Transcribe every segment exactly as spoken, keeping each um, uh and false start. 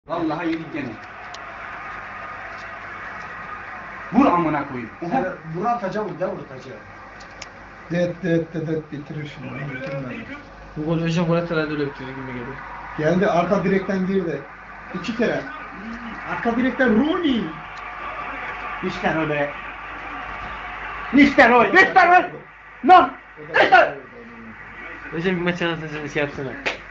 Vallahi yedik gene. Vur amına koyayım. Sen bunu atacağım, bir de vurtacağım. Det det det det bitirir şimdi. Bitirmedi. Bu gol önce gol herhalde öyle bitiyor gibi geliyor. Geldi arka direkten girdi. İki kere. Arka direkten Rooney. İşte öyle. İşte öyle. İşte öyle. Lan. İşte. Hocam bir maç anlatacağım şey yapsana.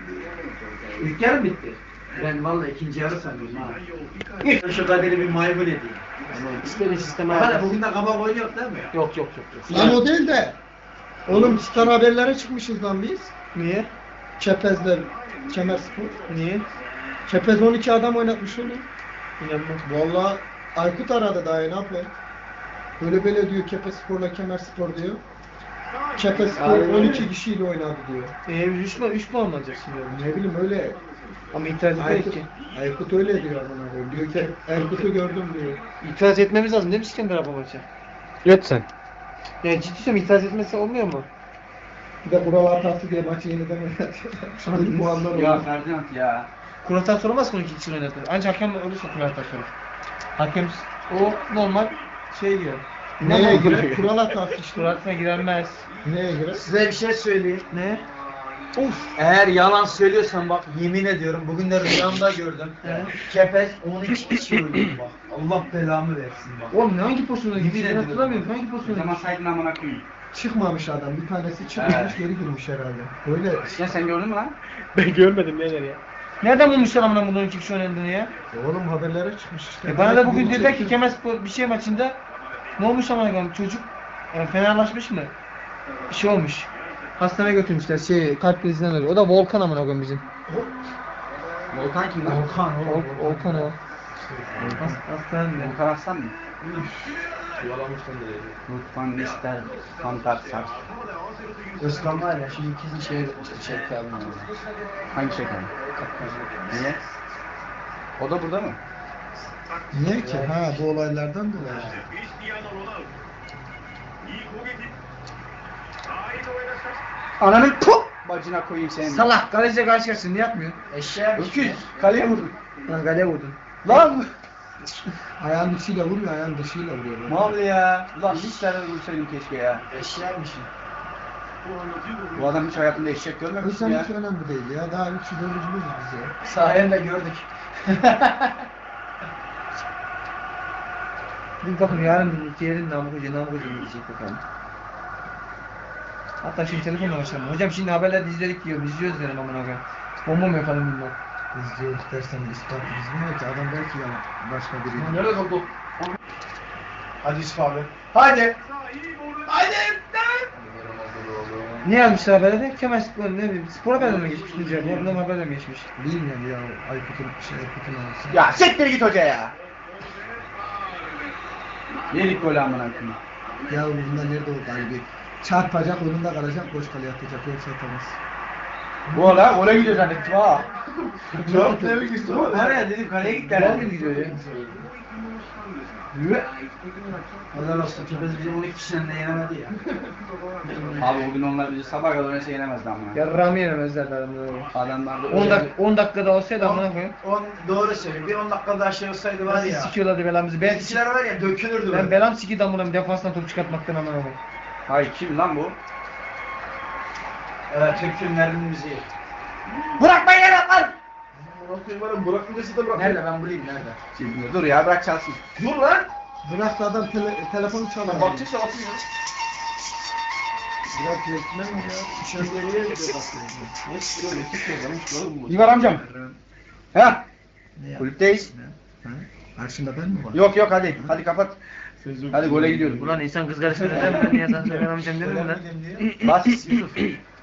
İlk yarı bitti. Ben vallahi ikinci yarı sanıyorum ha. İlk şu kaderi bir maymun edeyim. İstediğin sisteme Hala ayarlasın. bugün de kabak oyun yok değil mi? Yok yok yok. yok. Lan o değil de. Oğlum star haberlere çıkmışız lan biz. Niye? Çepezler. Kemerspor. Niye? Çepez on iki adam oynatmış onu. İnanmam. Vallahi Aykut aradı daha ne yapayım? Böyle böyle diyor Kepespor'la Kemerspor diyor. Kepespor Aynen. on iki kişiyle oynadı diyor. Eee üç puan üç puan mı alacak şimdi? Ne bileyim öyle. Ama itiraz etmedik Aykut, ki. Aykut öyle diyor bana diyor. Diyor ki Erkut'u gördüm diyor. İtiraz etmemiz lazım değil mi İskender abi maça? Et sen. Ya ciddi söylüyorum itiraz etmesi olmuyor mu? Bir de kural hatası diye maçı yeniden oynatıyor. Bu anlar Ya oldu. Ferdinand ya. Kuratan sorulmaz ki on iki kişi oynatır. Ancak hakem olursa kuratan sorulur. Hakem o normal şey diyor. Neye girer? Kural hatası işte. Kuratına giremez. Neye girer? Size bir şey söyleyeyim. Ne? Of. Eğer yalan söylüyorsan bak yemin ediyorum bugün de rüyamda gördüm. He. Kepez on iki kişi öldürdü bak. Allah belamı versin bak. Oğlum ne hangi pozisyonda Yemin gitti? Ben ediyorum. hatırlamıyorum. Hangi O pozisyonda zaman gitti? saydın amına koyayım. Çıkmamış adam. Bir tanesi çıkmamış Evet. geri girmiş herhalde. Böyle. Ya sen gördün mü lan? Ben görmedim neler ya. Nereden bulmuşlar amına bunun iki kişi oynadığını ya? E oğlum haberlere çıkmış işte. E bana da Belki bugün bunu dediler ki çekti. Kemerspor bir şey maçında ne olmuş amına koyayım çocuk yani fenalaşmış mı? Bir şey olmuş. Hastaneye götürmüşler şey kalp krizinden ölüyor. O da Volkan amına koyayım bizim. Volkan kim lan? Volkan Vol oğlum. Volkan o. Has hastanede. Volkan Aslan mı? Lütfen ister kantar sar. Özkan var ya şimdi ikisini şey şey kaldı. Hangi şeker? Niye? O da burada mı? Niye ki? Ha bu olaylardan dolayı. Ananın puh! Bacına koyayım seni. Salak kaleciye karşı karşısında ne yapmıyor? Eşeğe Öküz. Kaleye vurdun. Lan kaleye vurdun. Lan! Ayağın dışıyla vurmuyor, ayağın dışıyla vuruyor. Mal ya. Ulan hiç tane vursaydım keşke ya. Eşeğmişim. Bu adam hiç hayatında eşek O görmemiş yüzden ya. hiç önemli değil ya. Daha üç yıl öncümüz biz ya. Sayende gördük. Bir bakın yarın diğerin namı hoca namı hoca gidecek bakalım. Hatta şimdi telefonla başlayalım. Hocam şimdi haberlerde izledik diyor. İzliyoruz derim amına koyayım. Bomba mı yapalım bilmem. İzliyoruz dersen ispat bilmiyor ki. Adam belki ya başka biri. Nerede kaldı? Hadi Yusuf abi. Hadi. Hadi. Ne yazmışlar haberlerde? Kemal Spor ne bileyim. Spor haberlerine mi geçmiş? Diyeceğim. Oradan haberler mi geçmiş? Bilmiyorum ya. Aykut'un şey Aykut'un anası. Ya siktir git hoca ya. Yedik golü amına koyayım. Ya bunda nerede o kalbi? Çarpacak, önünde kalacak, boş kaleye atacak. Yoksa atamaz. Bu ola gole gidiyor zannettim ha. Çok tebrik istiyorum. Var ya dedim kaleye gitti Güzel herhalde. gibi gidiyor ya. Yürü. Allah olsun Kepez bizi on iki kişiden de yenemedi ya. Abi bugün onlar bizi sabah kadar öyle yenemezdi amına. Yarrağımı yenemezlerdi adamlar. Adamlar da on dakika on dakikada olsaydı amına koyayım. on doğru söylüyor. Bir on dakika daha şey olsaydı var Nasıl ya. sikiyorlardı belamızı. Ben, Bizimkiler var ya dökülürdü ben böyle. belam sikiydi amına defanstan top çıkartmaktan amına koyayım. Hayır kim lan bu? Evet Türk filmlerinin müziği. Bırakmayın lan! Nerede ben bulayım nerede? Şimdi dur ya bırak çalsın. Dur lan. Bırak da adam tele, telefonu çalar. Bakacaksa atayım. Bırak yetmez mi ya? İşaretleriye gidiyor bakıyor. İvar amcam. Ha? Ne ya? Kulüpteyiz. Ha? Karşında ben mi var? Yok yok hadi. Hadi kapat. Hadi gole gidiyoruz. Ulan insan kız kardeşine neden ben niye sana söylemeyeceğim dedim mi lan? diye. Bas Yusuf.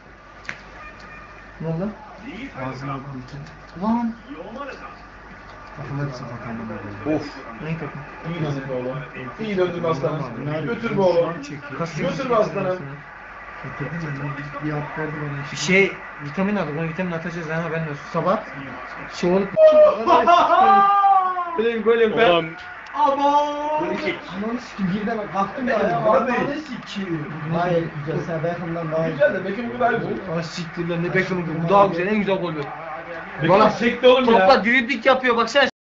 Ne oldu? Ağzına aldım için. Lan. Bakın hepsi bakalım. Of. Neyi takım? İyi döndün oğlum. İyi döndün aslanım. Götür be oğlum. Götür be aslanım. Getirdim ben bir, bir hap verdi bana. Bir şey vitamin aldık. Onu vitamin atacağız lan haberin olsun. Sabah şey olup Benim golüm ben. Ulan Bunu çek. Ananı sikim bir de bak baktım Ya, ya. abi. Ananı sikim. Hayır güzel sen Beckham'dan daha iyi. Güzel de Beckham güzel bu. Ah siktir lan ne Beckham'ın bu daha güzel en güzel gol bu. Bektaş çekti oğlum ya. Topla dribling yapıyor baksana.